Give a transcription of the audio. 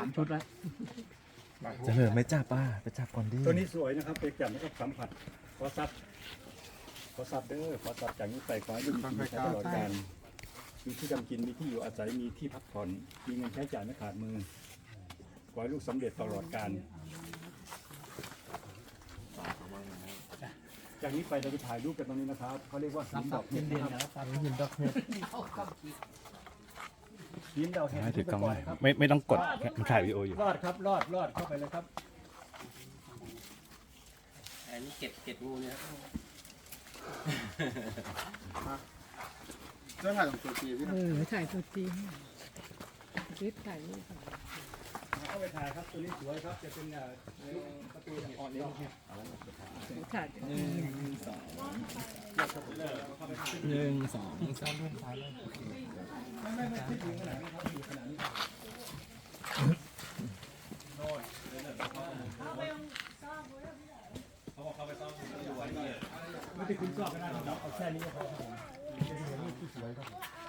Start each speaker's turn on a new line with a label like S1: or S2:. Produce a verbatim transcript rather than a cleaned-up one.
S1: ามชุดแล้ว
S2: จะเหลือไม่จับป้าไปจับก่อนดิ
S3: ตัวนี้สวยนะครับไปจับแล้วก็สัมผัสขอซับขอซับเด้อขอซับจากนี้ไปขอให้ลูกมีกินใช้ตลอดการมีที่ทำกินมีที่อยู่อาศัยมีที่พักผ่อนมีเงินใช้จ่ายไม่ขาดมือขอให้ลูกสำเร็จตลอดการจากนี้ไปเราจะถ่ายรูปกันตรงนี้นะครับเขาเรียกว่าหินดอกเห็ดนะครับ
S1: หินดอกเห็ด
S3: หินดอกเห็ด
S2: ให้ถือกล้องไว้
S3: ครับ
S2: ไม่ไม่ต้องกดมันถ่ายวิดีโออยู่
S3: รอดครับรอดรอดเข้าไปเลยครับ
S4: อันนี้เก็บเก็บงูเนี่ย
S5: เรื่องถ่ายของตัวจีพี่
S6: เออถ่ายตัวจริงรีบถ่ายรูปก่อน
S3: เข้าไปถ่ายครับตัวนี้สวยครับจะเป็นประตูอ่อนเลี้ยงเนี่ย
S6: ถ่าย
S2: หนึ่งสองสาม
S3: ไม่ไม่ไม่ที่อยู่ขนาดนี้ครับอยู่ขนาดนี้ครับไม่ได้คุณชอบก็ได้ครับเอาแค่นี้ก็พอครับผมเป็นที่สวยครับ